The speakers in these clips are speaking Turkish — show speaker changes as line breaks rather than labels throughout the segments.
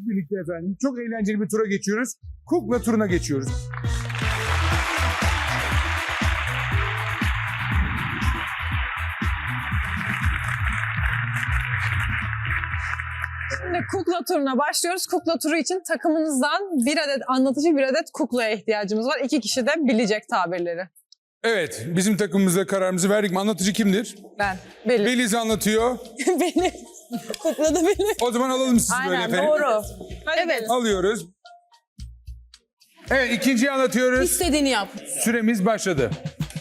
birlikte efendim. Çok eğlenceli bir tura geçiyoruz. Kukla turuna geçiyoruz.
Şimdi kukla turuna başlıyoruz. Kukla turu için takımınızdan bir adet anlatıcı, bir adet kuklaya ihtiyacımız var. 2 kişi de bilecek tabirleri.
Evet, bizim takımımızda kararımızı verdik mi? Anlatıcı kimdir?
Ben. Belli.
Beliz anlatıyor.
Beni. Kukla da beni.
O zaman alalım sizi böyle
Aynen,
efendim.
doğru. Hadi evet.
Alıyoruz. Evet, ikinciyi anlatıyoruz.
İstediğini yap.
Süremiz başladı.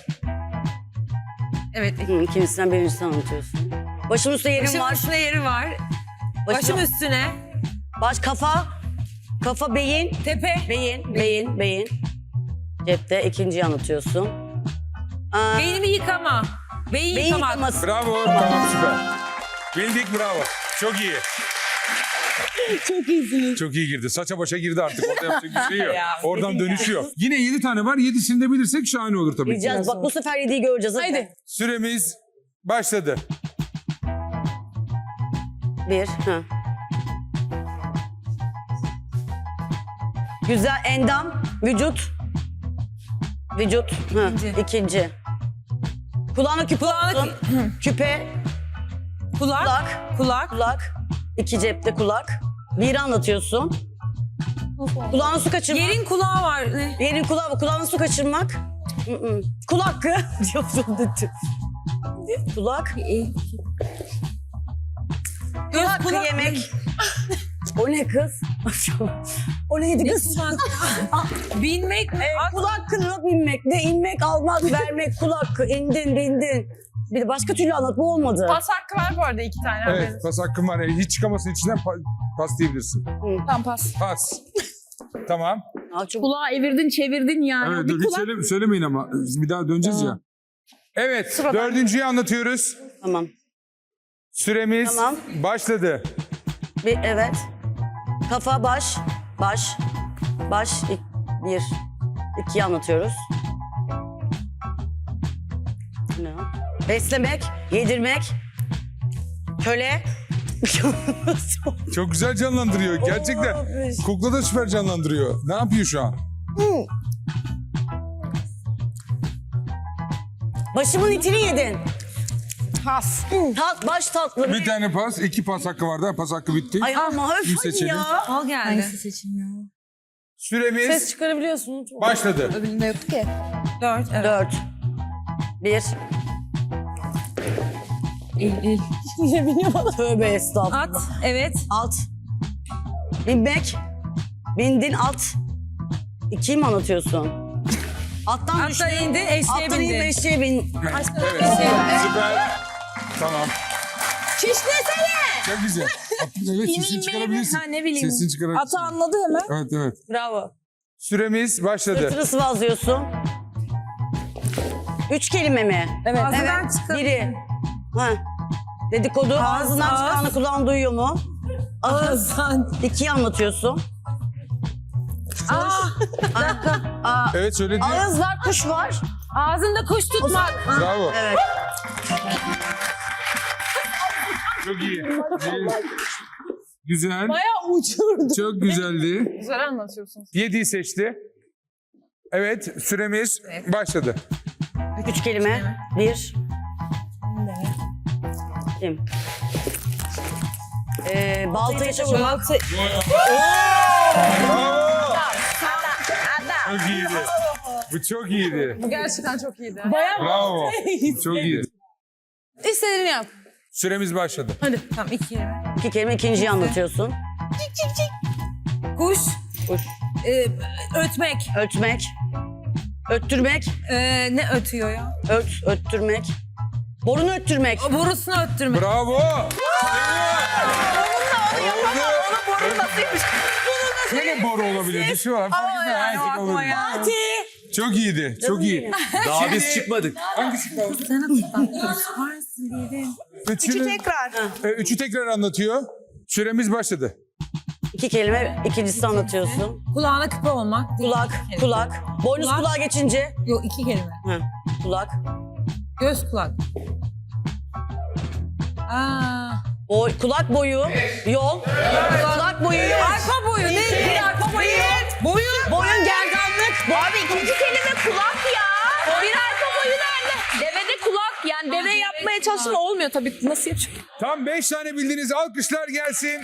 Evet.
İkincisinden birincisini anlatıyorsun. Başımın üstünde yerim
Başımın
var.
üstüne yeri var. Başım üstüne.
Baş, kafa. Kafa, beyin.
Tepe.
Beyin. Cepte ikinciyi anlatıyorsun.
Beynimi yıkama. Beyin
Beyin
yıkamak.
yıkaması.
Bravo, tamam süper. Bildik, bravo. Çok iyi.
Çok iyisiniz.
Çok iyi girdi. Saça başa girdi artık. Orada yapacak bir şey yok.
Ya,
Oradan dönüşüyor. Yine 7 tane var. 7'sini de bilirsek şahane olur tabii ki.
Bileceğiz. Bak bu sefer 7'yi göreceğiz.
Haydi.
Süremiz başladı.
Bir. Hı. Güzel endam. Vücut. Hı. İkinci. Kulağına küpe olsun. Küpe. Kulak. İki cepte kulak. Biri anlatıyorsun. Kulağına su kaçırmak.
Yerin kulağı var. Ne?
Yerin kulağı var. Kulağına su kaçırmak. Kul hakkı. Kulak. Kul hakkı yemek. O ne kız? O neydi kız?
Binmek.
Kul hakkını binmek. Ne inmek, almak, vermek. Kul hakkı. İndin, bindin. Bir de başka türlü anlat. Bu olmadı.
Pas hakkı var bu arada 2 tane.
Evet, pas hakkın var. Hiç çıkamasın içinden pas diyebilirsin.
Tam pas.
Pas. Tamam.
Çok...
Kulağı evirdin çevirdin yani.
Evet,
Bir
dur, hiç
kulak...
söylemeyin ama. Bir daha döneceğiz ya. Evet, dördüncüyü anlatıyoruz.
Tamam.
Süremiz
Tamam.
başladı.
Evet. Kafa, baş. Bir. İkiyi anlatıyoruz. Ne o? Beslemek, yedirmek. Köle.
Çok güzel canlandırıyor. Gerçekten. Kukla da süper canlandırıyor. Ne yapıyor şu an?
Başımın itini yedin.
Pas.
Baş tatlı.
Bir tane pas, 2 pas hakkı vardı. Pas hakkı bitti.
Ay ama
Kim
hadi
seçelim?
ya.
Al geldi.
Süremiz
Ses çıkarabiliyorsunuz.
başladı.
Öbüründe yok ki.
4. Evet.
4. 1.
Ne bileyim ama.
Tövbe estağfurullah.
At. Evet.
Alt. Binmek. Bindin at. 2'yi mi anlatıyorsun? Attan düştün.
Attan indin, eşeğe
Attan indin,
bindin.
eşeğe bin.
Evet, süper. Tamam.
Şişlesene.
Çok güzel. Evet, sesini çıkarabilirsin.
Ha, ne bileyim.
Sesini çıkarabilirsin.
Atı anladı hemen.
Evet.
Bravo.
Süremiz başladı.
Sırtını sıvazlıyorsun. 3 kelime mi?
Evet.
Ağzından çıkan.
Biri. Ha. Dedikodu. Ağzından
ağız.
çıkanı kulağın duyuyor mu?
Ağızdan.
2'yi anlatıyorsun.
Evet, söyledi.
Ağız var, kuş var.
Ağzında kuş tutmak.
Bravo.
Evet.
Çok iyi. Güzel.
Bayağı uçurdu.
Çok güzeldi.
Güzel anlatıyorsunuz.
7'yi seçti. Evet, süremiz başladı.
3 kelime. 1. Kim? Baltayı çavurmak.
Çok iyiydi. Bu çok iyiydi.
Bu gerçekten çok iyiydi.
Bayağı
Bravo. Çok iyi.
İstediğini yap.
Süremiz başladı.
Tamam 2.
2 kelime, ikinciyi anlatıyorsun.
Kuş.
Kuş.
Ötmek.
Ötmek. Öttürmek.
Ne ötüyor ya?
Öttürmek. Borunu öttürmek.
O borusunu öttürmek.
Bravo. Oldu.
Borun nasılmış?
Şöyle boru olabilir. Düşü var. Fark etmez. Her şey olabilir. Çok iyiydi. Çok iyi.
Daha biz çıkmadık.
Hangisi kaldı?
Sen varsın dedim.
Üçü tekrar anlatıyor. Süremiz başladı.
2 kelime, ikincisini anlatıyorsun.
Kulağına küpe olmak.
Kulak. Boynuz
Kulak.
kulağa geçince.
Yok 2 kelime.
Hı. Kulak.
Göz kulak.
Kulak boyu. Yol. Kulak boyu yol.
Arpa
Abi ikinci kelime kulak ya. Bir arka boyu nerede? Devede kulak. Yani deve yapmaya çalıştım olmuyor tabii. Nasıl yapacağım?
Tam 5 tane bildiniz. Alkışlar gelsin.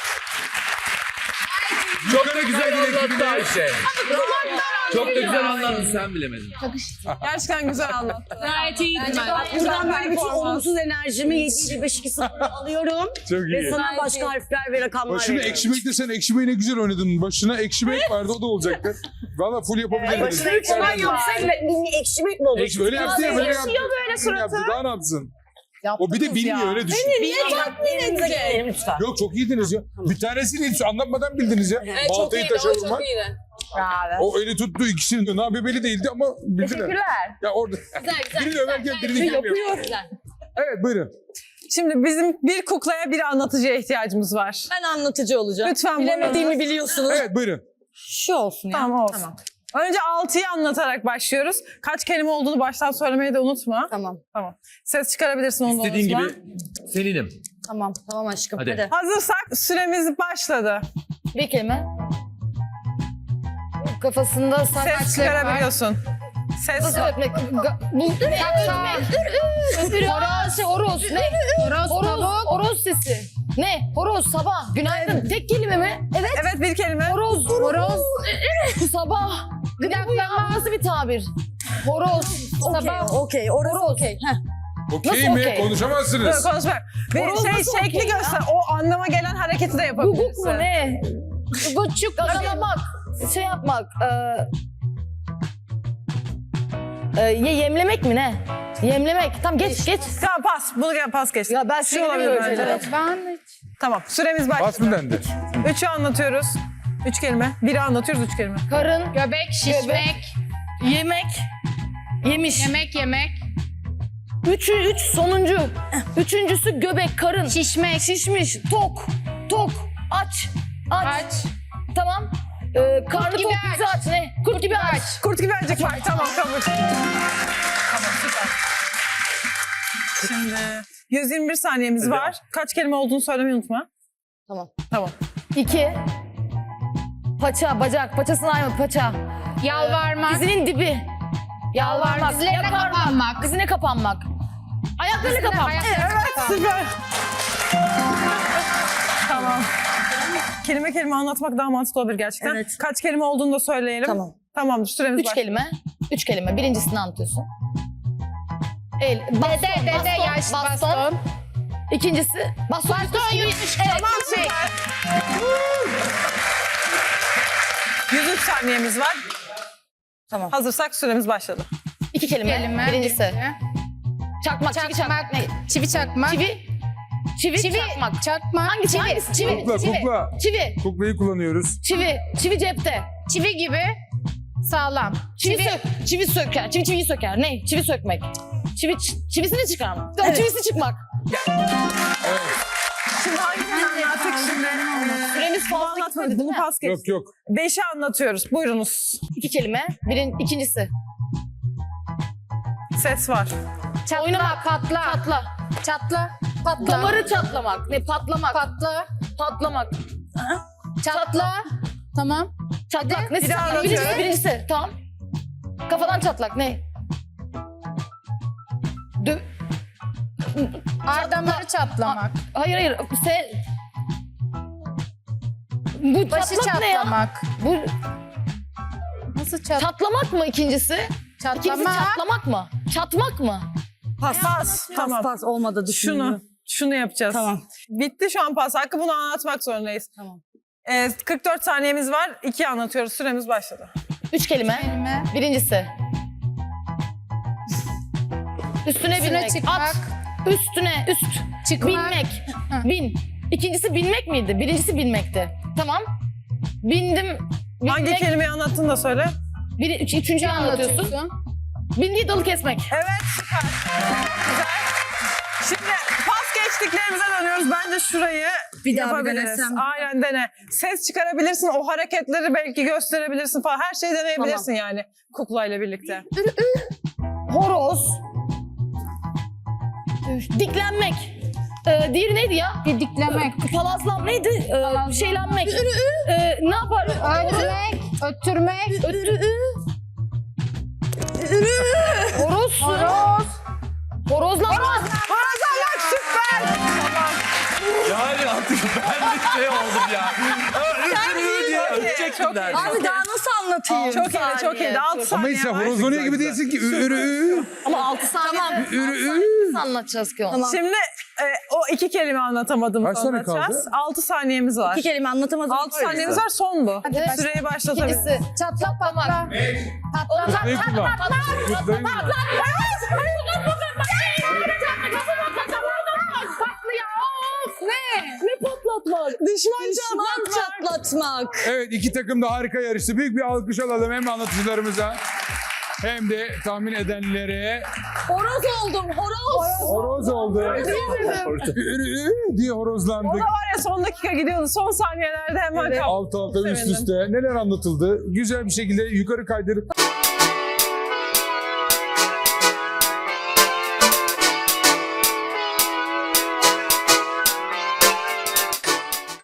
Çok da güzel anlattı Ayşe. Çok da güzel anlattı, sen bilemedin.
Gerçekten güzel anlattı.
Gayet iyiydi ben.
Buradan böyle bütün olumsuz enerjimi 7-5-2-0 alıyorum.
Çok
Ve
iyi.
sana başka harfler ve rakamlar
Başına
veriyorum.
ekşimek desen ekşimeyi ne güzel oynadın. Başına ekşimek vardı o da olacaktı. Valla full yapabilirdiniz.
Başına ekşimek yapsaydı ekşimek mi olur?
Öyle yaptı ya böyle yaptı.
böyle suratı.
Yaptı, daha ne yapsın? O bir de bilmiyor öyle düşün.
Niye tatmin edecek? Lütfen.
Yok çok iyiydiniz ya. Bir tanesini hiç anlatmadan bildiniz ya. Baltayı taşa vurmak. O eli tuttu ikisini. Ne yapıyor belli değildi ama bildiler.
Teşekkürler.
Ya orada birini överken birini yapıyor. Evet buyurun.
Şimdi bizim bir kuklaya bir anlatıcıya ihtiyacımız var.
Ben anlatıcı olacağım.
Lütfen
Bilemediğimi biliyorsunuz.
Evet buyurun.
Şu olsun ya.
Tamam olsun. Önce 6'yı anlatarak başlıyoruz. Kaç kelime olduğunu baştan söylemeyi de unutma.
Tamam.
Ses çıkarabilirsin onu da
İstediğin
unutma.
gibi seninim.
Tamam. Tamam aşkım.
Hadi.
Hadi.
Hazırsak süremiz başladı.
Bir kelime. Kafasında
Ses çıkarabiliyorsun. Ses
Nasıl öpmek? Horoz. Ne? Horoz sesi. Ne? Horoz sabah. Günaydın. Tek kelime mi? Evet.
Evet bir kelime.
Horoz. Sabah. Ne bu ya? Nasıl bir tabir? Horoz. Sabah.
Okey. Orası
Horoz.
okey.
Okey
Nasıl
mi?
okey?
Konuşamazsınız.
Konuşmak. Bir
Horoz
şey
nasıl
şekli
okey ya?
göster. O anlama gelen hareketi de yapabilirsin.
Guguk mu ne? Guçuk. Gagalamak. Şey yapmak. Yemlemek mi ne? Yemlemek. Tamam geç.
Tamam pas. Bunu gel pas geç.
Ya ben
Şu olabilir bence. Tamam süremiz
Bas
başladı.
mı dendi?
3'ü anlatıyoruz. 3 kelime. 1'i anlatıyoruz 3 kelime.
Karın.
Göbek, şişmek,
Yemek. Yemiş.
yemek,
Üç sonuncu. Üçüncüsü göbek, karın.
şişmek,
Şişmiş. Tok. Aç. Tamam. Karnı
gibi
tok
aç.
bizi aç. Ne? Kurt gibi aç.
Kurt gibi acık var. Tamam kabul. Tamam süper. Şimdi 121 saniyemiz var. Kaç kelime olduğunu söylemeyi unutma.
Tamam. 2. Paça, bacak. Paçasına ayma, paça.
yalvarmak,
Dizinin dibi. Yalvarmak.
dizlerine
yakarmak,
kapanmak.
Dizine kapanmak. Ayaklarına kapanmak.
Süper. Tamam. Kelime anlatmak daha mantıklı olabilir gerçekten.
Evet.
Kaç kelime olduğunu da söyleyelim.
Tamam.
Tamamdır süremiz
3
var.
kelime. 3 kelime. Birincisini anlatıyorsun. Baston.
dede, yaş, baston.
İkincisi baston yutmuş.
Tamam süper. 103 saniyemiz var.
Tamam.
Hazırsak süremiz başladı.
2 kelime. Birincisi. Çakmak, çivi çakmak. Ne?
çivi çakmak,
Çivi çakmak.
çakmak,
Hangisi? Çivi.
Kukla.
Çivi.
Kuklayı kullanıyoruz.
Çivi cepte.
çivi gibi sağlam.
Çivi söker. Çiviyi söker. Ne? Çivi sökmek. Çivisini çıkarmak. Çivisi çıkmak.
Şimdi hangi anlattık şimdi?
Süremiz
Bunu
fazla
anlatmadık.
gitmedi değil
Bunu
mi?
pas geç.
Yok.
5'i anlatıyoruz. Buyurunuz.
2 kelime. İkincisi.
Ses var.
Oynamak.
Patla,
Çatla.
patla,
Damarı çatlamak. Ne? Patlamak. Patlamak.
çatla. Tamam.
Çatlak. Ne?
Bir daha anlatıyorum.
Birincisi. Tamam. Kafadan çatlak. Ne?
Damarı çatlamak,
Hayır. Bu
başı
çatlak ne ya?
çatlamak.
Bu
Nasıl
çatlamak mı ikincisi? İkincisi
çatlamak?
çatlamak mı? Çatmak mı?
Pas. Tamam.
Pas olmadı düşünüyorum.
Şunu yapacağız.
Tamam.
Bitti şu an pas hakkı. Bunu anlatmak zorundayız.
Tamam.
44 saniyemiz var. 2 anlatıyoruz. Süremiz başladı.
3 kelime. Birincisi. Üstüne binmek.
çıkmak.
At. Üst.
Çıkmak.
Binmek.
Hı.
Bin. İkincisi binmek miydi? Birincisi binmekti. Tamam. Bindim.
Hangi
Binmek.
kelimeyi anlattın da söyle.
Üçüncüyü anlatıyorsun. Bindiği dalı kesmek.
Evet süper. Güzel. Şimdi pas geçtiklerimize dönüyoruz. Bence şurayı
Bir daha bir
yapabiliriz.
denesem.
Aynen dene. Ses çıkarabilirsin. O hareketleri belki gösterebilirsin falan. Her şeyi deneyebilirsin yani kuklayla birlikte.
Horoz. Diklenmek. Diğeri neydi ya?
Didiklemek,
Palazlan neydi? Şeylenmek. Ne yapar?
ötmek, öttürmek,
Horozlanmak.
Horozlanmak süper.
Yani artık ben de şey oldum ya. diye öpecektim
çok iyi.
neredeyse.
Abi daha nasıl anlatayım?
Çok iyiydi, çok iyiydi. 6
Ama
saniye
işte
var.
horozlanıyor gibi değilsin ki.
Ama 6 saniye.
Tamam.
Nasıl anlatacağız ki onu?
Tamam.
Şimdi o 2 kelime anlatamadım.
Kaç saniye kaldı?
6 saniyemiz var.
2 kelime anlatamadım.
6 saniyemiz var, son bu.
Hadi başla.
Süreyi başlatabiliriz.
İkincisi çatlak patlamak. Patlamak.
Ne kullan? Kutlayın mı?
Düşman
Çatlatmak.
Evet, iki takım da harika yarıştı. Büyük bir alkış alalım hem anlatıcılarımıza hem de tahmin edenlere.
Horoz oldum, horoz.
Horoz oldu. diye horozlandık.
O da var ya, son dakika gidiyordu. Son saniyelerde hemen kaptı.
Alt alta üst
Sevindim.
üste neler anlatıldı. Güzel bir şekilde yukarı kaydırıp